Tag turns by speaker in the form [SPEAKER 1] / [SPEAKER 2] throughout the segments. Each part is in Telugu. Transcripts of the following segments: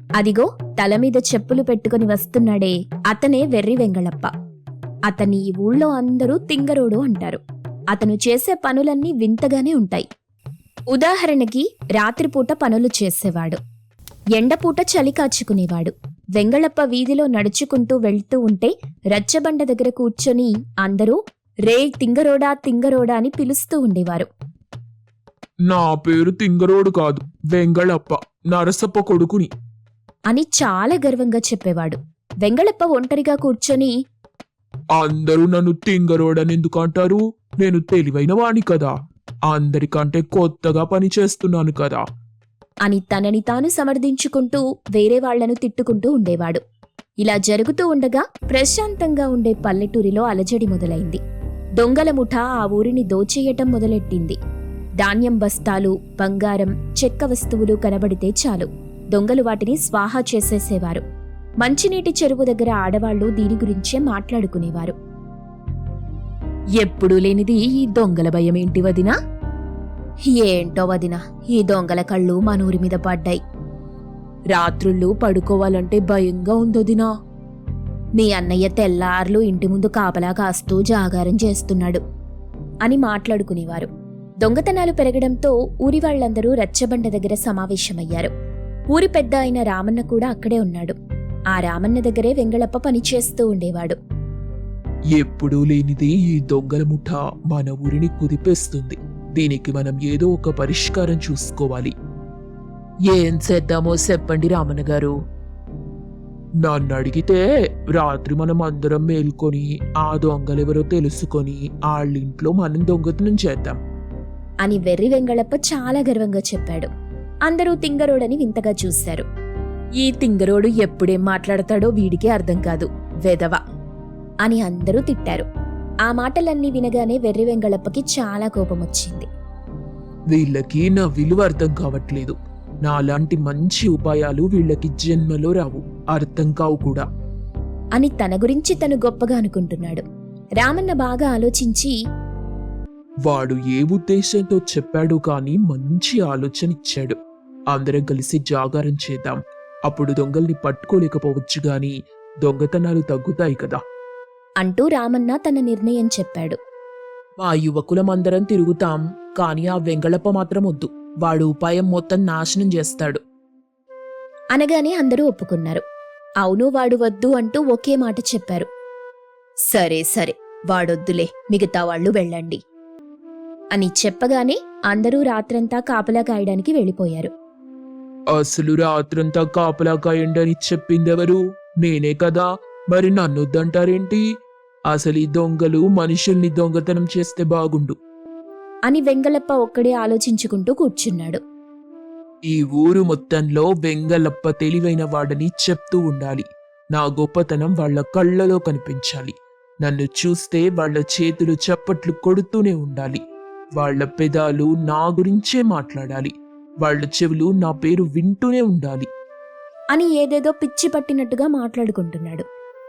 [SPEAKER 1] అదిగో తలమీద చెప్పులు పెట్టుకుని వస్తున్నాడే, అతనే వెర్రి వెంగళప్ప. అతన్ని ఈ ఊళ్ళో అందరూ తింగరోడు అంటారు. అతను చేసే పనులన్నీ వింతగానే ఉంటాయి. ఉదాహరణకి రాత్రిపూట పనులు చేసేవాడు, ఎండపూట చలి కాచుకునేవాడు. వెంగళప్ప వీధిలో నడుచుకుంటూ వెళ్తూ ఉంటే రచ్చబండ దగ్గర కూర్చొని అందరూ రే తింగరోడా తింగరోడా అని పిలుస్తూ ఉండేవారు.
[SPEAKER 2] నా పేరు తింగరోడు కాదు, వెంగళప్ప, నరసప్ప కొడుకుని
[SPEAKER 1] అని చాలా గర్వంగా చెప్పేవాడు. వెంగళప్ప ఒంటరిగా కూర్చొని,
[SPEAKER 2] అందరూ నన్ను తింగరోడని ఎందుకు అంటారు? నేను తెలివైన వాణ్ణి కదా, అందరికంటే కొత్తగా పని చేస్తున్నాను కదా
[SPEAKER 1] అని తనని తాను సమర్థించుకుంటూ వేరే వాళ్లను తిట్టుకుంటూ ఉండేవాడు. ఇలా జరుగుతూ ఉండగా ప్రశాంతంగా ఉండే పల్లెటూరిలో అలజడి మొదలైంది. దొంగల ముఠా ఆ ఊరిని దోచేయటం మొదలెట్టింది. ధాన్యం బస్తాలు, బంగారం, చెక్క వస్తువులు కనబడితే చాలు దొంగలు వాటిని స్వాహా చేసేసేవారు. మంచినీటి చెరువు దగ్గర ఆడవాళ్లు దీని గురించే మాట్లాడుకునేవారు. ఎప్పుడూ లేనిది ఈ దొంగల భయమేంటి వదినా? ఏంటో వదినా, ఈ దొంగల కళ్ళు మనూరి మీద పడ్డాయి. రాత్రుళ్ళు పడుకోవాలంటే భయంగా ఉందొదినా. నీ అన్నయ్య తెల్లార్లు ఇంటి ముందు కాపలా కాస్తూ జాగారం చేస్తున్నాడు అని మాట్లాడుకునేవారు. దొంగతనాలు పెరగడంతో ఊరి వాళ్లందరూ రచ్చబండ దగ్గర సమావేశమయ్యారు. ఊరి పెద్ద అయిన రామన్న కూడా అక్కడే ఉన్నాడు. ఆ రామన్న దగ్గరే వెంగళప్ప పనిచేస్తూ ఉండేవాడు.
[SPEAKER 2] ఎప్పుడూ లేనిది ఈ దొంగల ముఠ మన ఊరిని కుదిపేస్తుంది. దీనికి మనం ఏదో ఒక పరిష్కారం చూసుకోవాలి.
[SPEAKER 3] ఏం చేద్దామో చెప్పండి రామన్న గారు.
[SPEAKER 2] నన్ను అడిగితే రాత్రి మనం అందరం మేల్కొని ఆ దొంగలెవరో తెలుసుకొని వాళ్ళింట్లో మనం దొంగతనం చేద్దాం
[SPEAKER 1] అని వెర్రి వెంగళప్ప చాలా గర్వంగా చెప్పాడు. అందరూ తింగరోడని వింతగా చూశారు. ఈ తింగరోడు ఎప్పుడేం మాట్లాడతాడో వీడికే అర్థం కాదు, వెధవ అని అందరూ తిట్టారు. ఆ మాటలన్నీ వినగానే వెర్రి వెంగళప్పకి చాలా కోపమొచ్చింది.
[SPEAKER 2] వీళ్ళకి నా విలువ అర్థం కావట్లేదు. నాలాంటి మంచి ఉపాయాలు వీళ్ళకి జన్మలో రావు, అర్థం కావు కూడా
[SPEAKER 1] అని తన గురించి తను గొప్పగా అనుకుంటున్నాడు. రామన్న బాగా ఆలోచించి,
[SPEAKER 2] వాడు ఏ ఉద్దేశంతో చెప్పాడు కానీ మంచి ఆలోచన ఇచ్చాడు. అందరం కలిసి జాగారం చేద్దాం. అప్పుడు దొంగల్ని పట్టుకోలేకపోవచ్చు గాని దొంగతనాలు తగ్గుతాయి కదా
[SPEAKER 1] అంటూ రామన్న తన నిర్ణయం చెప్పాడు.
[SPEAKER 3] మా యువకులమందరం తిరుగుతాం, కాని ఆ వెంగళప్ప మాత్రం వద్దు. వాడు ఉపాయం మొత్తం నాశనం చేస్తాడు
[SPEAKER 1] అనగానే అందరూ ఒప్పుకున్నారు. అవును, వాడు వద్దు అంటూ ఒకే మాట చెప్పారు. సరే సరే, వాడొద్దులే, మిగతా వాళ్ళు వెళ్ళండి అని చెప్పగానే అందరూ రాత్రంతా కాపలా కాయడానికి వెళ్ళిపోయారు.
[SPEAKER 2] అసలు రాత్రంతా కాపలా కాయండి చెప్పిందెవరు? నేనే కదా. మరి నన్నొద్దంటారేంటి? అసలు ఈ దొంగలు మనుషుల్ని దొంగతనం చేస్తే బాగుండు
[SPEAKER 1] అని వెంగళప్ప ఒక్కడే ఆలోచించుకుంటూ కూర్చున్నాడు.
[SPEAKER 2] ఈ ఊరు మొత్తంలో వెంగళప్ప తెలివైన వాడని చెప్తూ ఉండాలి. నా గొప్పతనం వాళ్ల కళ్ళలో కనిపించాలి. నన్ను చూస్తే వాళ్ల చేతులు చప్పట్లు కొడుతూనే ఉండాలి. వాళ్ల పెదాలు నా గురించే మాట్లాడాలి. వాళ్ల చెవులు నా పేరు వింటూనే ఉండాలి
[SPEAKER 1] అని ఏదేదో పిచ్చి పట్టినట్టుగా మాట్లాడుకుంటున్నాడు.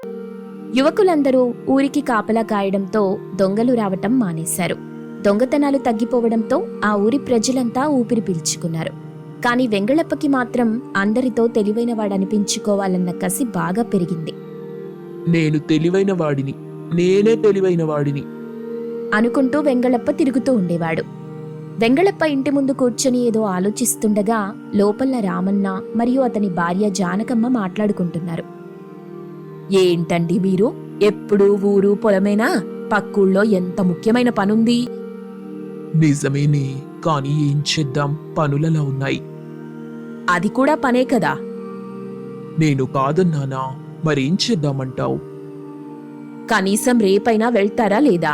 [SPEAKER 1] యువకులందరూ ఊరికి కాపలా కాయడంతో దొంగలు రావటం మానేశారు. దొంగతనాలు తగ్గిపోవడంతో ఆ ఊరి ప్రజలంతా ఊపిరి పీల్చుకున్నారు. కాని వెంగళప్పకి మాత్రం అందరితో తెలివైన వాడనిపించుకోవాలన్న కసి బాగా పెరిగింది.
[SPEAKER 2] నేను తెలివైన వాడిని, నేనే తెలివైన వాడిని
[SPEAKER 1] అనుకుంటూ వెంగళప్ప తిరుగుతూ ఉండేవాడు. వెంగళప్ప ఇంటి ముందు కూర్చొని ఏదో ఆలోచిస్తుండగా లోపల రామన్న మరియు అతని భార్య జానకమ్మ మాట్లాడుకుంటున్నారు. ఏంటండి మీరు ఎప్పుడూ ఊరు పొలమేనా? పక్కూళ్ళో ఎంత ముఖ్యమైన పనుంది.
[SPEAKER 2] నిజమేనే, కానీ ఏం చేద్దాం, పనులలా ఉన్నాయి.
[SPEAKER 1] అది కూడా పనే కదా.
[SPEAKER 2] నేను కాదన్నానా, మరేం చేద్దామంటావు?
[SPEAKER 1] కనీసం రేపైనా వెళ్తారా లేదా?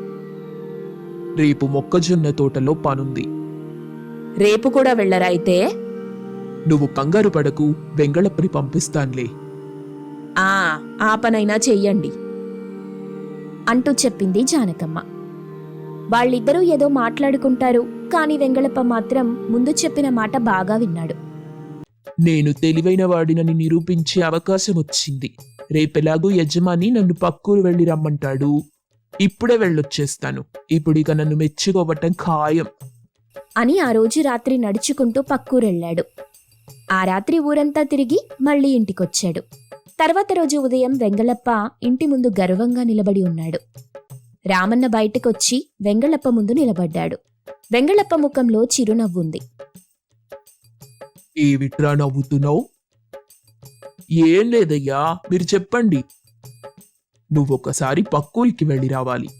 [SPEAKER 2] రేపు మొక్కజొన్న తోటలో పనుంది.
[SPEAKER 1] రేపు కూడా వెళ్ళరా అయితే?
[SPEAKER 2] నువ్వు కంగారు పడకు, వెంగళప్పని పంపిస్తాన్లే.
[SPEAKER 1] ఆ పనైనా చెయ్యండి అంటూ చెప్పింది జానకమ్మ. వాళ్ళిద్దరూ ఏదో మాట్లాడుకుంటారు. కాని వెంగళప్ప మాత్రం ముందు చెప్పిన మాట బాగా విన్నాడు.
[SPEAKER 2] నేను తెలివైన వాడినని నిరూపించే అవకాశం వచ్చింది. రేపెలాగూ యజమాని నన్ను పక్కూరు వెళ్ళి రమ్మంటాడు. ఇప్పుడే వెళ్ళొచ్చేస్తాను. ఇప్పుడిక నన్ను మెచ్చుకోవటం ఖాయం
[SPEAKER 1] అని ఆ రోజు రాత్రి నడుచుకుంటూ పక్కూరెళ్ళాడు. ఆ రాత్రి ఊరంతా తిరిగి మళ్ళీ ఇంటికొచ్చాడు. తర్వాత రోజు ఉదయం వెంగళప్ప ఇంటి ముందు గర్వంగా నిలబడి ఉన్నాడు. రామన్న బయటకొచ్చి వెంగళప్ప ముందు నిలబడ్డాడు. వెంగళప్ప ముఖంలో చిరునవ్వుంది.
[SPEAKER 2] ఏమిట్రా నవ్వుతున్నావు? ఏం లేదయ్యా, మీరు చెప్పండి. నువ్వొకసారి పక్కూరికి వెళ్ళి రావాలి.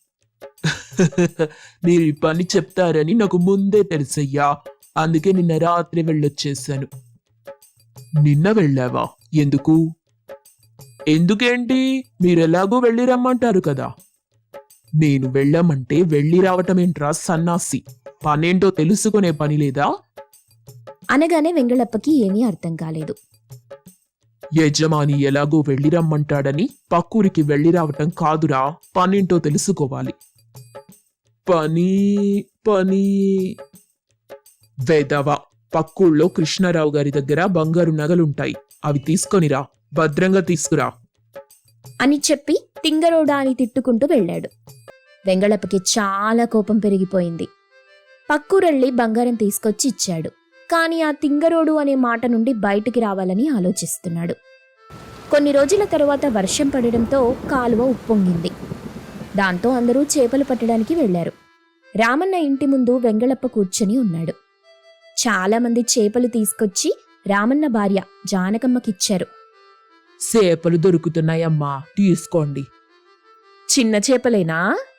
[SPEAKER 2] మీరు ఈ పని చెప్తారని నాకు ముందే తెలుసయ్యా, అందుకే నిన్న రాత్రి వెళ్ళొచ్చేసాను. నిన్న వెళ్ళావా? ఎందుకు? ఎందుకేంటి, మీరెలాగో వెళ్ళి రమ్మంటారు కదా. నేను వెళ్ళమంటే వెళ్ళి రావటమేంట్రా సన్నాసి, పనేంటో తెలుసుకునే పని లేదా?
[SPEAKER 1] అనగానే వెంగళప్పకి ఏమీ అర్థం కాలేదు.
[SPEAKER 2] యజమాని ఎలాగో వెళ్ళి రమ్మంటాడని పక్కూరికి వెళ్ళి రావటం కాదురా, పనేంటో తెలుసుకోవాలి. పని పని వేదవా, పక్కూళ్ళో కృష్ణారావు గారి దగ్గర బంగారు నగలుంటాయి, అవి తీసుకొనిరా, భద్రంగా తీసుకురా
[SPEAKER 1] అని చెప్పి తింగరోడా అని తిట్టుకుంటూ వెళ్ళాడు. వెంగళప్పకి చాలా కోపం పెరిగిపోయింది. పక్కూరెళ్ళి బంగారం తీసుకొచ్చి ఇచ్చాడు. కాని ఆ తింగరోడు అనే మాట నుండి బయటికి రావాలని ఆలోచిస్తున్నాడు. కొన్ని రోజుల తరువాత వర్షం పడడంతో కాలువ ఉప్పొంగింది. దాంతో అందరూ చేపలు పట్టడానికి వెళ్లారు. రామన్న ఇంటి ముందు వెంగళప్ప కూర్చొని ఉన్నాడు. చాలామంది చేపలు తీసుకొచ్చి రామన్న భార్య జానకమ్మకిచ్చారు.
[SPEAKER 3] చేపలు దొరుకుతున్నాయమ్మా, తీసుకోండి.
[SPEAKER 1] చిన్న చేపలేనా?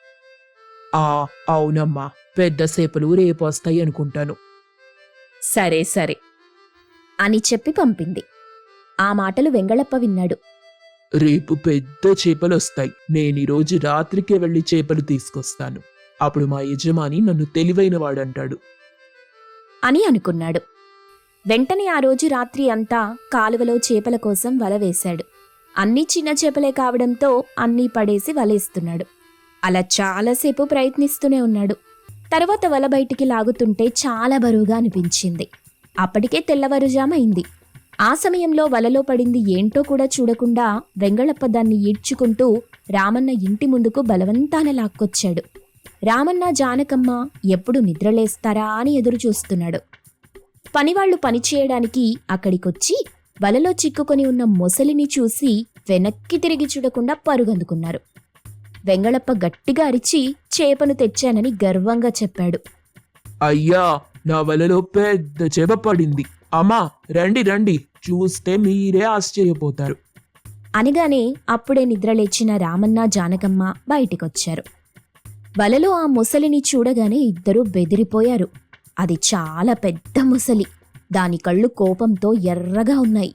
[SPEAKER 3] అవునమ్మా, పెద్ద చేపలు రేపు వస్తాయి అనుకుంటాను.
[SPEAKER 1] సరే సరే అని చెప్పి పంపింది. ఆ మాటలు వెంగళప్ప విన్నాడు.
[SPEAKER 2] రేపు పెద్ద చేపలు వస్తాయి, నేను ఈరోజు రాత్రికే వెళ్ళి చేపలు తీసుకొస్తాను, అప్పుడు మా యజమాని నన్ను తెలివైన వాడంటాడు
[SPEAKER 1] అని అనుకున్నాడు. వెంటనే ఆ రోజు రాత్రి అంతా కాలువలో చేపల కోసం వల వేశాడు. అన్నీ చిన్న చేపలే కావడంతో అన్నీ పడేసి వలేస్తున్నాడు. అలా చాలాసేపు ప్రయత్నిస్తూనే ఉన్నాడు. తర్వాత వల బయటికి లాగుతుంటే చాలా బరువుగా అనిపించింది. అప్పటికే తెల్లవారుజామైంది. ఆ సమయంలో వలలో పడింది ఏంటో కూడా చూడకుండా వెంగళప్ప దాన్ని ఈడ్చుకుంటూ రామన్న ఇంటి ముందుకు బలవంతాన లాక్కొచ్చాడు. రామన్న జానకమ్మ ఎప్పుడు నిద్రలేస్తారా అని ఎదురు చూస్తున్నాడు. పనివాళ్లు పనిచేయడానికి అక్కడికొచ్చి వలలో చిక్కుకొని ఉన్న మొసలిని చూసి వెనక్కి తిరిగి చూడకుండా పరుగందుకున్నారు. వెంగళప్ప గట్టిగా అరిచి చేపను తెచ్చానని గర్వంగా చెప్పాడు.
[SPEAKER 2] అయ్యా, నా వలలో పెద్ద చేప పడింది, అమ్మా రండి రండి, చూస్తే మీరే ఆశ్చర్యపోతారు
[SPEAKER 1] అనగానే అప్పుడే నిద్రలేచిన రామన్న జానకమ్మ బయటికొచ్చారు. వలలో ఆ మొసలిని చూడగానే ఇద్దరూ బెదిరిపోయారు. అది చాలా పెద్ద మొసలి. దాని కళ్ళు కోపంతో ఎర్రగా ఉన్నాయి.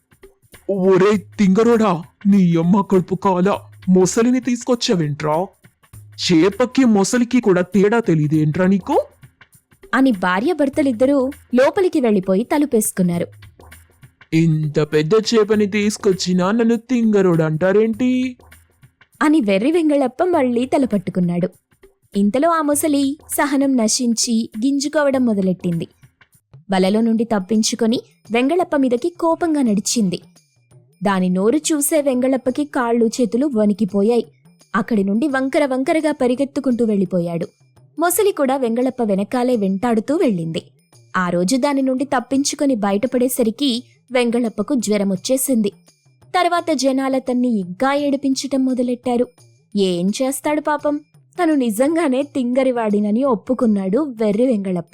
[SPEAKER 2] ఒరే తింగరోడా, నీ అమ్మ కడుపు కాల, మొసలిని తీసుకొచ్చావేంట్రా? చేపకి మొసలికి కూడా తేడా తెలియదేంట్రా నీకు?
[SPEAKER 1] అని భార్యాభర్తలిద్దరూ లోపలికి వెళ్లిపోయి తలుపేసుకున్నారు.
[SPEAKER 2] ఇంత పెద్ద చేపని తీసుకొచ్చినా నన్ను తింగరోడు అంటారేంటి?
[SPEAKER 1] అని వెర్రి వెంగళప్ప మళ్లీ తలపట్టుకున్నాడు. ఇంతలో ఆ మొసలి సహనం నశించి గింజుకోవడం మొదలెట్టింది. వలలో నుండి తప్పించుకొని వెంగళప్ప మీదకి కోపంగా నడిచింది. దాని నోరు చూసే వెంగళప్పకి కాళ్ళు చేతులు వణికిపోయాయి. అక్కడి నుండి వంకర వంకరగా పరిగెత్తుకుంటూ వెళ్ళిపోయాడు. మొసలి కూడా వెంగళప్ప వెనకాలే వెంటాడుతూ వెళ్ళింది. ఆ రోజు దాని నుండి తప్పించుకొని బయటపడేసరికి వెంగళప్పకు జ్వరమొచ్చేసింది. తర్వాత జనాలతన్ని ఇంకా ఏడిపించటం మొదలెట్టారు. ఏం చేస్తాడు పాపం, తను నిజంగానే తింగరివాడినని ఒప్పుకున్నాడు వెర్రి వెంగళప్ప.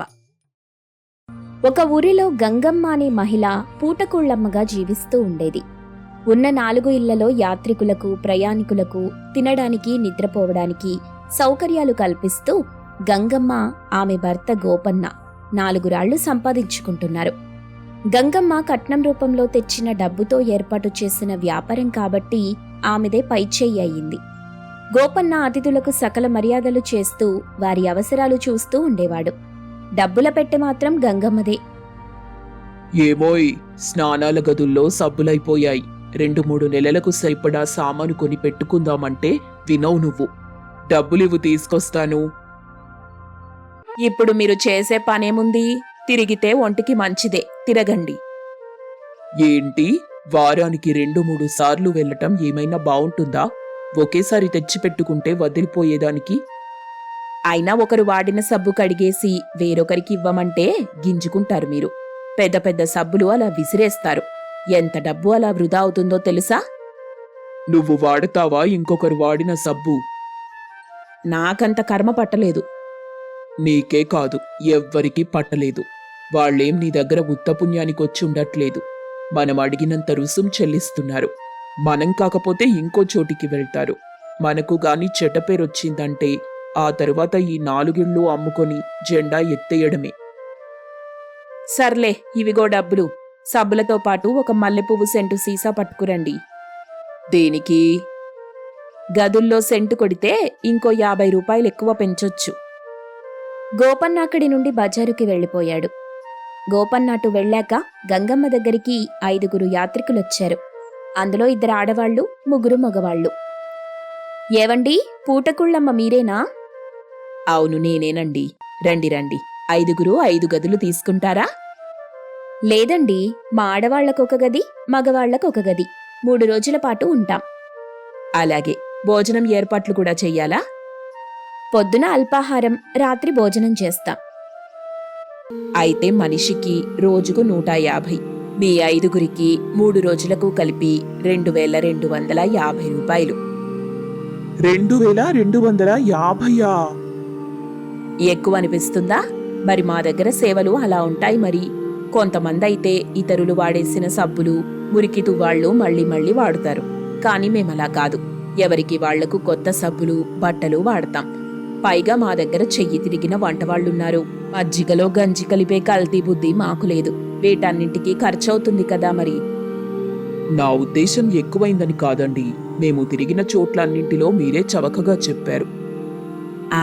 [SPEAKER 1] ఒక ఊరిలో గంగమ్మ అనే మహిళ పూటకూళ్లమ్మగా జీవిస్తూ ఉండేది. ఉన్న 4 ఇళ్లలో యాత్రికులకు, ప్రయాణికులకు తినడానికి, నిద్రపోవడానికి సౌకర్యాలు కల్పిస్తూ గంగమ్మ, ఆమె భర్త గోపన్న 4 రాళ్లు సంపాదించుకుంటున్నారు. గంగమ్మ కట్నం రూపంలో తెచ్చిన డబ్బుతో ఏర్పాటు చేసిన వ్యాపారం కాబట్టి ఆమెదే పైచేయి అయ్యింది. గోపన్న అతిథులకు సకల మర్యాదలు చేస్తూ వారి అవసరాలు చూస్తూ ఉండేవాడు. డబ్బుల పెట్టె మాత్రం గంగమ్మదే.
[SPEAKER 2] ఏమోయ్, స్నానాల గదుల్లో సబ్బులైపోయాయి, 2-3 నెలలకు సరిపడా సామాను కొని పెట్టుకుందామంటే వినవు నువ్వు. డబ్బులివ్వు, తీసుకొస్తాను.
[SPEAKER 1] ఇప్పుడు మీరు చేసే పనేముంది? తిరిగితే ఒంటికి మంచిదే, తిరగండి.
[SPEAKER 2] ఏంటి, వారానికి 2-3 సార్లు వెళ్ళటం ఏమైనా బావుంటుందా? ఒకేసారి తెచ్చిపెట్టుకుంటే వదిలిపోయేదానికి.
[SPEAKER 1] అయినా ఒకరు వాడిన సబ్బు కడిగేసి వేరొకరికి ఇవ్వమంటే గింజుకుంటారు మీరు. పెద్ద పెద్ద సబ్బులు అలా విసిరేస్తారు. ఎంత డబ్బు అలా వృధా అవుతుందో తెలుసా?
[SPEAKER 2] నువ్వు వాడతావా ఇంకొకరు వాడిన సబ్బు?
[SPEAKER 1] నాకంత కర్మ పట్టలేదు.
[SPEAKER 2] నీకే కాదు, ఎవ్వరికీ పట్టలేదు. వాళ్ళేం నీ దగ్గర ఉత్తపుణ్యానికొచ్చి ఉండట్లేదు. మనం అడిగినంత రుసుం చెల్లిస్తున్నారు. మనం కాకపోతే ఇంకో చోటికి వెళ్తారు. మనకు గాని చెడ్డ పేరొచ్చిందంటే ఆ తరువాత ఈ 4 ఇళ్ళు అమ్ముకొని జెండా ఎత్తేయడమే.
[SPEAKER 1] సర్లే, ఇవిగో డబ్బులు. సబ్బులతో పాటు ఒక మల్లెపువ్వు సెంటు సీసా పట్టుకురండి. దేనికి? గదుల్లో సెంటు కొడితే ఇంకో 50 రూపాయలు ఎక్కువ పెంచొచ్చు. గోపన్న అక్కడి నుండి బజారుకి వెళ్ళిపోయాడు. గోపన్న అటు వెళ్ళాక గంగమ్మ దగ్గరికి 5 యాత్రికులొచ్చారు. అందులో 2 ఆడవాళ్లు, 3 మగవాళ్లు. ఏవండి, పూటకుళ్ళమ్మ మీరేనా? అవును, నేనేనండి. రండి రండి. 5 గదులు తీసుకుంటారా? లేదండి, మా ఆడవాళ్లకొక గది, మగవాళ్లకొక గది. 3 రోజుల పాటు ఉంటాం. అలాగే, భోజనం ఏర్పాట్లు కూడా చెయ్యాలా? పొద్దున అల్పాహారం, రాత్రి భోజనం చేస్తాం. అయితే మనిషికి రోజుకు 150. మీ 5 3 రోజులకు కలిపి 2250 రూపాయలు.
[SPEAKER 2] 2250?
[SPEAKER 1] ఎక్కువ అనిపిస్తుందా? మరి మా దగ్గర సేవలు అలా ఉంటాయి. మరి కొంతమంది అయితే ఇతరులు వాడేసిన సబ్బులు, మురికి తువ్వాళ్లు మళ్ళీ మళ్ళీ వాడుతారు. కానీ మేమలా కాదు. ఎవరికి వాళ్లకు కొత్త సబ్బులు, బట్టలు వాడతాం. పైగా మా దగ్గర చెయ్యి తిరిగిన వంటవాళ్లున్నారు. మజ్జిగలో గంజి కలిపే కల్తీ బుద్ధి మాకు లేదు. వీటన్నింటికీ ఖర్చవుతుంది కదా మరి.
[SPEAKER 2] నా ఉద్దేశం ఎక్కువైందని కాదండి. మేము తిరిగిన చోట్లన్నింటిలో మీరే చవకగా చెప్పారు.
[SPEAKER 1] ఆ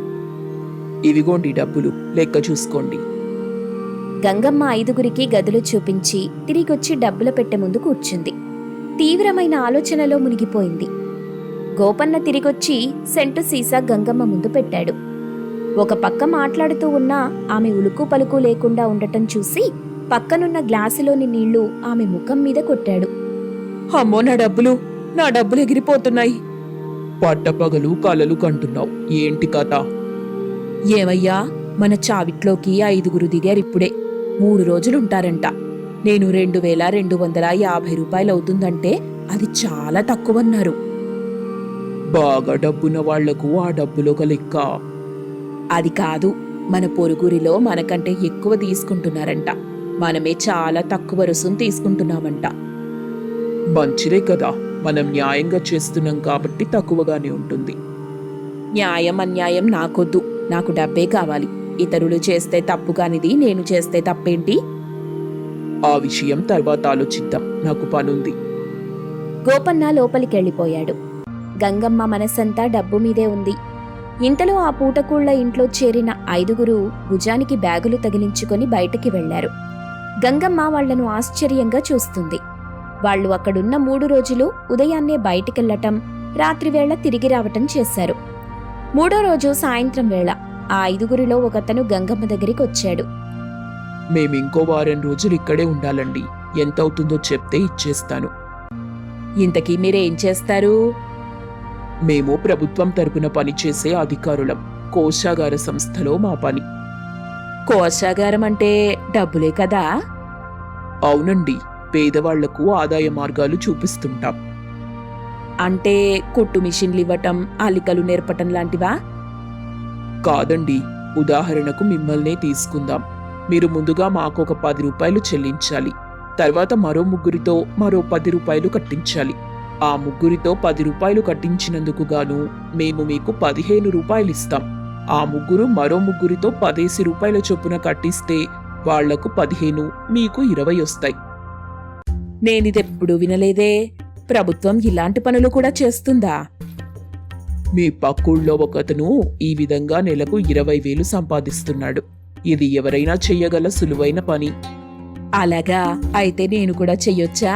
[SPEAKER 2] ఇవిగోండి డబ్బులు, లెక్క చూసుకోండి.
[SPEAKER 1] గంగమ్మ 5 గదులు చూపించి తిరిగొచ్చి డబ్బుల పెట్టె ముందు కూర్చుంది. తీవ్రమైన ఆలోచనలో మునిగిపోయింది. గోపన్న తిరిగొచ్చి సెంటు సీసా గంగమ్మ ముందు పెట్టాడు. ఒక పక్క మాట్లాడుతూ ఉన్నా ఆమె ఉలుకు పలుకు లేకుండా ఉండటం చూసి పక్కనున్న గ్లాసులోని నీళ్లు ఆమె ముఖం మీద కొట్టాడు.
[SPEAKER 3] అమ్మో, నా డబ్బులు ఎగిరిపోతున్నాయి.
[SPEAKER 2] పట్టపగలు కలలు కంటున్నావు, ఏంటి కథ?
[SPEAKER 3] ఏమయ్యా, మన చావిట్లోకి 5 దిగారిప్పుడే. 3 రోజులుంటారంట. నేను 2250 రూపాయలవుతుందంటే అది చాలా తక్కువన్నారు.
[SPEAKER 2] బాగా డబ్బున్న వాళ్లకు ఆ డబ్బులొక లెక్క.
[SPEAKER 3] అది కాదు, మన పొరుగురిలో మనకంటే ఎక్కువ తీసుకుంటున్నారంట. మనమే చాలా తక్కువ రుసుం తీసుకుంటున్నామంట.
[SPEAKER 2] మంచిదే కదా, మనం న్యాయంగా చేస్తున్నాం కాబట్టి తక్కువగానే ఉంటుంది.
[SPEAKER 3] న్యాయం అన్యాయం నాకొద్దు, నాకు డబ్బే కావాలి. ఇతరులు చేస్తే తప్పు కానిది నేను చేస్తే తప్పేంటి?
[SPEAKER 2] ఆ విషయం తర్వాత ఆలోచిద్దాం, నాకు పనుంది.
[SPEAKER 1] గోపన్న లోపలికెళ్ళిపోయాడు. గంగమ్మ మనసంతా డబ్బు మీదే ఉంది. ఇంతలో ఆ పూటకూళ్ల ఇంట్లో చేరిన 5 భుజానికి బ్యాగులు తగిలించుకొని బయటికి వెళ్లారు. గంగమ్మ వాళ్లను ఆశ్చర్యంగా చూస్తుంది. వాళ్లు అక్కడున్న 3 రోజులు ఉదయాన్నే బయటికెళ్లటం, రాత్రివేళ తిరిగి రావటం చేశారు. 3వ రోజు సాయంత్రం వేళ ఆ 5 ఒకతను గంగమ్మ దగ్గరికొచ్చాడు.
[SPEAKER 2] మేమింకో వారం రోజులు ఇక్కడే ఉండాలండి. ఎంతవుతుందో చెప్తే ఇచ్చేస్తాను.
[SPEAKER 3] ఇంతకీ మీరేం చేస్తారు?
[SPEAKER 2] మేము ప్రభుత్వం తరపున పనిచేసే అధికారులం. కోశాగార సంస్థలో మా పని.
[SPEAKER 3] కోశాగారం అంటే డబ్బులే కదా?
[SPEAKER 2] అవునండి, పేదవాళ్లకు ఆదాయ మార్గాలు చూపిస్తుంటాం.
[SPEAKER 3] అంటే కుట్టు మిషన్లు ఇవ్వటం, అల్లికలు నేర్పటం లాంటివా?
[SPEAKER 2] కాదండి, ఉదాహరణకు మిమ్మల్నే తీసుకుందాం. మీరు ముందుగా మాకొక 10 రూపాయలు చెల్లించాలి. తర్వాత మరో 3 మరో 10 రూపాయలు కట్టించాలి. ఆ 3 10 రూపాయలు కట్టించినందుకు గాను మేము మీకు 15 రూపాయలిస్తాం. ఆ 3 మరో 3 10 రూపాయల చొప్పున కట్టిస్తే వాళ్లకు 15, మీకు 20 వస్తాయి.
[SPEAKER 3] నేనిదెప్పుడు వినలేదే. ప్రభుత్వం ఇలాంటి పనులు కూడా చేస్తుందా?
[SPEAKER 2] మీ పక్కూళ్ళో ఒకతను ఈ విధంగా నెలకు 20,000 సంపాదిస్తున్నాడు. ఇది ఎవరైనా చెయ్యగల సులువైన పని.
[SPEAKER 3] అలాగా, అయితే నేను కూడా చెయ్యొచ్చా?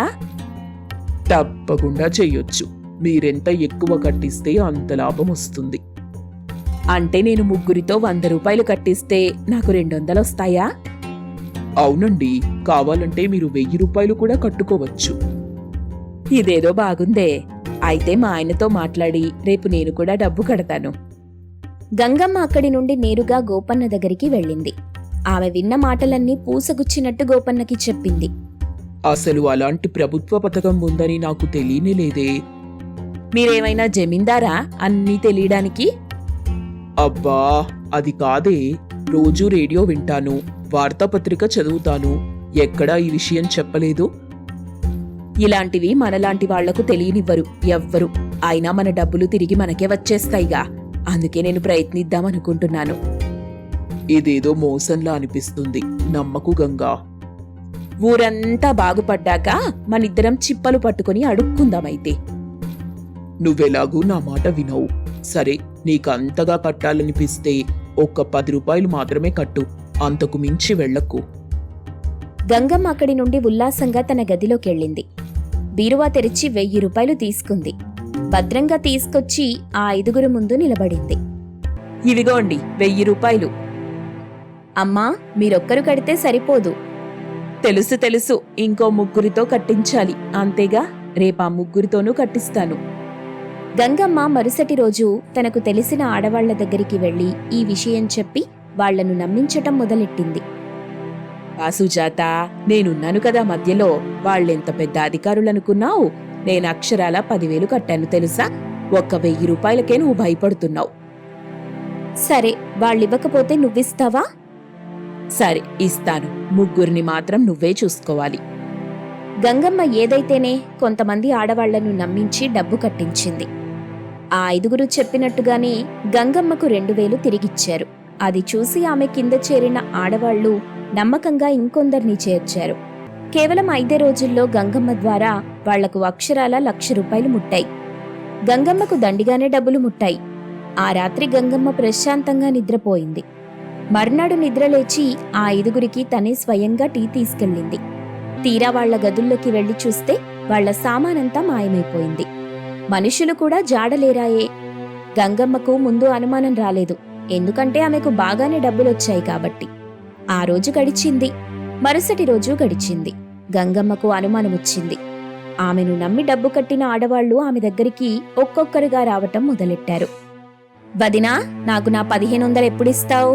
[SPEAKER 2] తప్పకుండా చెయ్యొచ్చు. మీరెంత ఎక్కువ కట్టిస్తే అంత లాభం వస్తుంది.
[SPEAKER 3] అంటే నేను 3 100 రూపాయలు కట్టిస్తే నాకు 200 వస్తాయా?
[SPEAKER 2] అవునండి, కావాలంటే మీరు 1000 రూపాయలు కూడా కట్టుకోవచ్చు.
[SPEAKER 3] ఇదేదో బాగుందే. అయితే మా ఆయనతో మాట్లాడి రేపు నేను కూడా డబ్బు కడతాను.
[SPEAKER 1] గంగమ్మ అక్కడి నుండి నేరుగా గోపన్న దగ్గరికి వెళ్ళింది. ఆమె విన్న మాటలన్నీ పూసగుచ్చినట్టు గోపన్నకి చెప్పింది.
[SPEAKER 2] అసలు అలాంటి ప్రభుత్వ పథకం ఉందని నాకు తెలియనే లేదే.
[SPEAKER 3] మీరేమైనా జమీందారా అన్నీ తెలియడానికి?
[SPEAKER 2] అబ్బా, అది కాదే. రోజూ రేడియో వింటాను, వార్తాపత్రిక చదువుతాను. ఎక్కడా ఈ విషయం చెప్పలేదు.
[SPEAKER 3] ఇలాంటివి మనలాంటి వాళ్లకు తెలియనివ్వరు ఎవ్వరు. అయినా మన డబ్బులు తిరిగి మనకే వచ్చేస్తాయిగా. అందుకే నేను ప్రయత్నిద్దామనుకుంటున్నాను.
[SPEAKER 2] ఇదేదో మోసంలా అనిపిస్తుంది. నమ్మకు గంగా.
[SPEAKER 3] ఊరంతా బాగుపడ్డాక మనిద్దరం చిప్పలు పట్టుకుని అడుక్కుందామైతే.
[SPEAKER 2] నువ్వెలాగూ నా మాట వినవు. సరే, నీకంతగా కట్టాలనిపిస్తే ఒక్క 10 రూపాయలు మాత్రమే కట్టు. అంతకు మించి వెళ్ళకు.
[SPEAKER 1] గంగమ్మ అక్కడి నుండి ఉల్లాసంగా తన గదిలోకెళ్ళింది. బీరువా తెరిచి 1000 రూపాయలు తీసుకుంది. భద్రంగా తీసుకొచ్చి ఆ 5గురు ముందు నిలబడింది.
[SPEAKER 3] ఇవిగోండి 1000 రూపాయలు.
[SPEAKER 1] అమ్మా, మీరొక్కరు కడితే సరిపోదు.
[SPEAKER 3] తెలుసు తెలుసు, ఇంకో 3 కట్టించాలి. అంతేగా, రేపా 3తోనూ కట్టిస్తాను.
[SPEAKER 1] గంగమ్మ మరుసటి రోజు తనకు తెలిసిన ఆడవాళ్ల దగ్గరికి వెళ్లి ఈ విషయం చెప్పి వాళ్లను నమ్మించటం మొదలెట్టింది.
[SPEAKER 3] ఆ సుజాత, నేనున్నాను కదా మధ్యలో. వాళ్ళెంత పెద్ద అధికారులనుకున్నావు? నేను అక్షరాల 10,000 కట్టాను తెలుసా. ఒక్క 1000 రూపాయలకే నువ్వు భయపడుతున్నావు.
[SPEAKER 1] సరే, వాళ్ళివ్వకపోతే నువ్విస్తావా?
[SPEAKER 3] సరే, ఇస్తాను. 3 మాత్రం నువ్వే చూసుకోవాలి.
[SPEAKER 1] గంగమ్మ ఏదైతేనే కొంతమంది ఆడవాళ్లను నమ్మించి డబ్బు కట్టించింది. ఆ 5గురు చెప్పినట్టుగానే గంగమ్మకు 2000 తిరిగిచ్చారు. అది చూసి ఆమె కింద చేరిన ఆడవాళ్లు నమ్మకంగా ఇంకొందరిని చేర్చారు. కేవలం 5 రోజుల్లో గంగమ్మ ద్వారా వాళ్లకు అక్షరాల 1,00,000 రూపాయలు ముట్టాయి. గంగమ్మకు దండిగానే డబ్బులు ముట్టాయి. ఆ రాత్రి గంగమ్మ ప్రశాంతంగా నిద్రపోయింది. మర్నాడు నిద్రలేచి ఆ 5గురికి తనే స్వయంగా టీ తీసుకెళ్ళింది. తీరా వాళ్ల గదుల్లోకి వెళ్లి చూస్తే వాళ్ల సామానంతా మాయమైపోయింది. మనుషులు కూడా జాడలేరాయే. గంగమ్మకు ముందు అనుమానం రాలేదు, ఎందుకంటే ఆమెకు బాగానే డబ్బులొచ్చాయి కాబట్టి. ఆ రోజు గడిచింది. మరుసటి రోజు గడిచింది. గంగమ్మకు అనుమానమొచ్చింది. ఆమెను నమ్మి డబ్బు కట్టిన ఆడవాళ్లు ఆమె దగ్గరికి ఒక్కొక్కరుగా రావటం మొదలెట్టారు. వదినా, నాకు నా 1500 ఎప్పుడిస్తావు?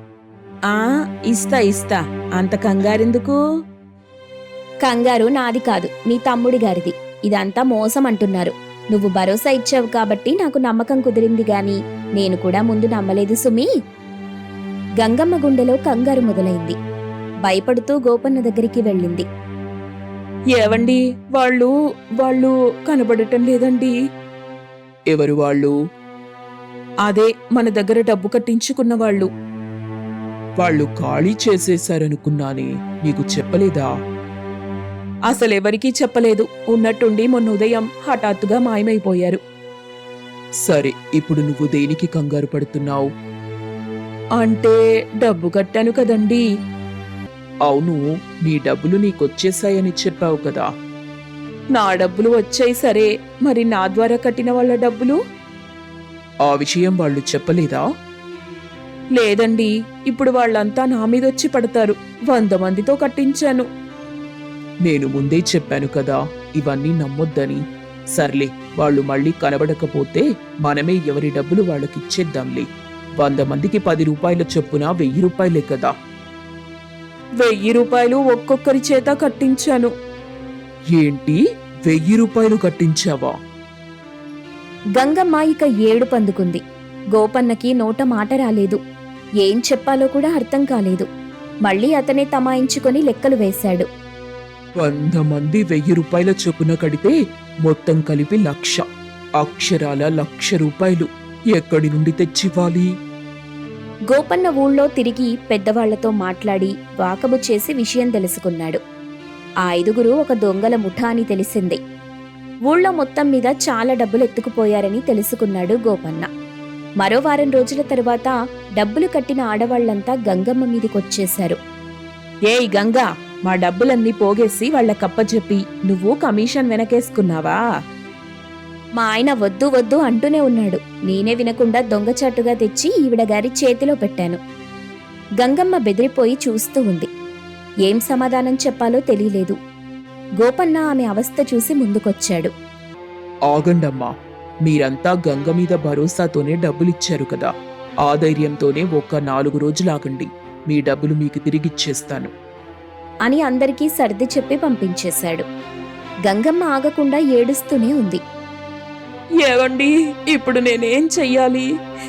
[SPEAKER 3] ఇస్తా. అంత కంగారెందుకు?
[SPEAKER 1] కంగారు నాది కాదు, నీ తమ్ముడి గారిది. ఇదంతా మోసం అంటున్నారు. నువ్వు భరోసా ఇచ్చావు కాబట్టి నాకు నమ్మకం కుదిరింది గాని నేను కూడా ముందు నమ్మలేదు సుమీ. గంగమ్మ గుండెలో కంగారు మొదలైంది. భయపడుతూ గోపన్న దగ్గరికి వెళ్ళింది.
[SPEAKER 3] ఏవండి, వాళ్ళు కనబడటం లేదండి.
[SPEAKER 2] ఎవరు వాళ్ళు?
[SPEAKER 3] అదే మన దగ్గర డబ్బు కట్టించుకున్న వాళ్ళు.
[SPEAKER 2] వాళ్ళు ఖాళీ చేసేశారనుకున్నానే, నీకు చెప్పలేదా?
[SPEAKER 3] అసలెవరికీ చెప్పలేదు. ఉన్నట్టుండి మొన్న ఉదయం హఠాత్తుగా మాయమైపోయారు.
[SPEAKER 2] సరే, ఇప్పుడు నువ్వు దేనికి కంగారు పడుతున్నావు?
[SPEAKER 3] అంటే డబ్బు కట్టాను కదండీ.
[SPEAKER 2] అవును, నీ డబ్బులు నీకొచ్చేశాయని చెప్పావు కదా.
[SPEAKER 3] నా డబ్బులు వచ్చాయి సరే, మరి నా ద్వారా కట్టిన వాళ్ళ డబ్బులు?
[SPEAKER 2] ఆ విషయం వాళ్ళు చెప్పలేదా?
[SPEAKER 3] లేదండి. ఇప్పుడు వాళ్ళంతా నా మీదొచ్చి పడతారు. 100 మందితో కట్టించాను.
[SPEAKER 2] నేను ముందే చెప్పాను కదా, ఇవన్నీ నమ్మొద్దని. సర్లే, వాళ్ళు మళ్ళీ కనబడకపోతే మనమే ఎవరి డబ్బులు వాళ్ళకిచ్చేద్దాంలే. 100 మందికి 10 రూపాయల చొప్పున 1000 రూపాయలే కదా.
[SPEAKER 3] 1000 రూపాయలు ఒక్కొక్కరి చేత కట్టించాను.
[SPEAKER 2] ఏంటి, 1000 రూపాయలు కట్టించావా?
[SPEAKER 1] గంగమ్మ ఇక ఏడుపందుకుంది. గోపన్నకి నోట మాట రాలేదు. ఏం చెప్పాలో కూడా అర్థం కాలేదు. మళ్ళీ అతనే తమాయించుకొని లెక్కలు వేశాడు.
[SPEAKER 2] 100 మంది 1000 రూపాయల చొప్పున కడితే మొత్తం కలిపి 1,00,000. అక్షరాల 1,00,000 రూపాయలు ఎక్కడి నుండి తెచ్చివ్వాలి?
[SPEAKER 1] గోపన్న ఊళ్ళో తిరిగి పెద్దవాళ్లతో మాట్లాడి వాకబు చేసి విషయం తెలుసుకున్నాడు. ఆ 5గురు ఒక దొంగల ముఠా అని తెలిసింది. ఊళ్ళో మొత్తం మీద చాలా డబ్బులు ఎత్తుకుపోయారని తెలుసుకున్నాడు గోపన్న. మరో వారం రోజుల తరువాత డబ్బులు కట్టిన ఆడవాళ్లంతా గంగమ్మ మీదికొచ్చేశారు.
[SPEAKER 3] ఏయ్ గంగా, మా డబ్బులన్నీ పోగేసి వాళ్ళకప్పచెప్పి నువ్వు కమిషన్ వెనకేసుకున్నావా?
[SPEAKER 1] మా ఆయన వద్దు వద్దు అంటూనే ఉన్నాడు. నేనే వినకుండా దొంగచాటుగా తెచ్చి ఈవిడ గారి చేతిలో పెట్టాను. గంగమ్మ బెదిరిపోయి చూస్తూ ఉంది. ఏం సమాధానం చెప్పాలో తెలియలేదు. గోపన్న ఆమె అవస్థ చూసి ముందుకొచ్చాడు.
[SPEAKER 2] ఆగండమ్మా, మీరంతా గంగ మీద భరోసాతోనే డబ్బులిచ్చారు కదా. ఆ ధైర్యంతోనే ఒక్క 4 రోజులాగండి. మీ డబ్బులు మీకు తిరిగిచ్చేస్తాను.
[SPEAKER 1] అని అందరికీ సర్ది చెప్పి పంపించేశాడు. గంగమ్మ ఆగకుండా ఏడుస్తూనే ఉంది.
[SPEAKER 3] ఏవండి, ఇప్పుడు నేనేం చెయ్యాలి?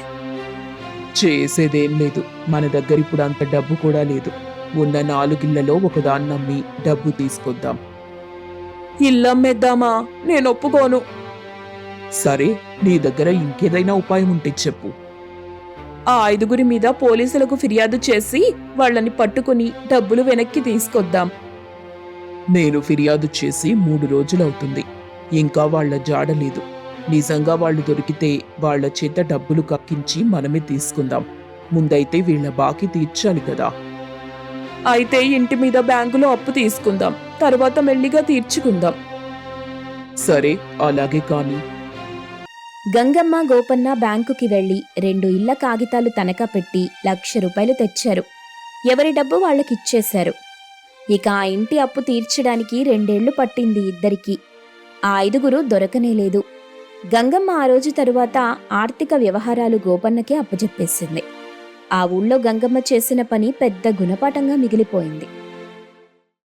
[SPEAKER 2] చేసేదేం లేదు. మన దగ్గర ఇప్పుడు అంత డబ్బు కూడా లేదు. ఉన్న 4 ఇళ్లలో ఒకదాన్నమ్మి డబ్బు తీసుకొద్దాం.
[SPEAKER 3] ఇల్లమ్మేద్దామా? నేను ఒప్పుకోను.
[SPEAKER 2] సరే, నీ దగ్గర ఇంకేదైనా ఉపాయం ఉంటే చెప్పు.
[SPEAKER 3] ఆ 5గురి మీద పోలీసులకు ఫిర్యాదు చేసి వాళ్ళని పట్టుకుని డబ్బులు వెనక్కి తీసుకొద్దాం.
[SPEAKER 2] నేను ఫిర్యాదు చేసి 3 రోజులవుతుంది. ఇంకా వాళ్ళ జాడలేదు. నిజంగా వాళ్ళు దొరికితే వాళ్ళ చేత డబ్బులు కక్కించి మనమే తీసుకుందాం. ముందైతే వీళ్ళ బాకీ తీర్చాలి కదా.
[SPEAKER 3] అయితే ఇంటి మీద బ్యాంకులో అప్పు తీసుకుందాం, తర్వాత మెల్లిగా తీర్చుకుందాం.
[SPEAKER 2] సరే, అలాగే కాని.
[SPEAKER 1] గంగమ్మ గోపన్న బ్యాంకుకి వెళ్లి 2 ఇళ్ల కాగితాలు తనఖా పెట్టి 1,00,000 రూపాయలు తెచ్చారు. ఎవరి డబ్బు వాళ్ళకిచ్చేశారు. ఇక ఆ ఇంటి అప్పు తీర్చడానికి 2 ఏళ్లు పట్టింది ఇద్దరికీ. ఆ 5గురు దొరకనేలేదు. గంగమ్మ ఆ రోజు తరువాత ఆర్థిక వ్యవహారాలు గోపన్నకే అప్పజెప్పేసింది. ఆ ఊళ్ళో గంగమ్మ చేసిన పని పెద్ద గుణపాఠంగా మిగిలిపోయింది.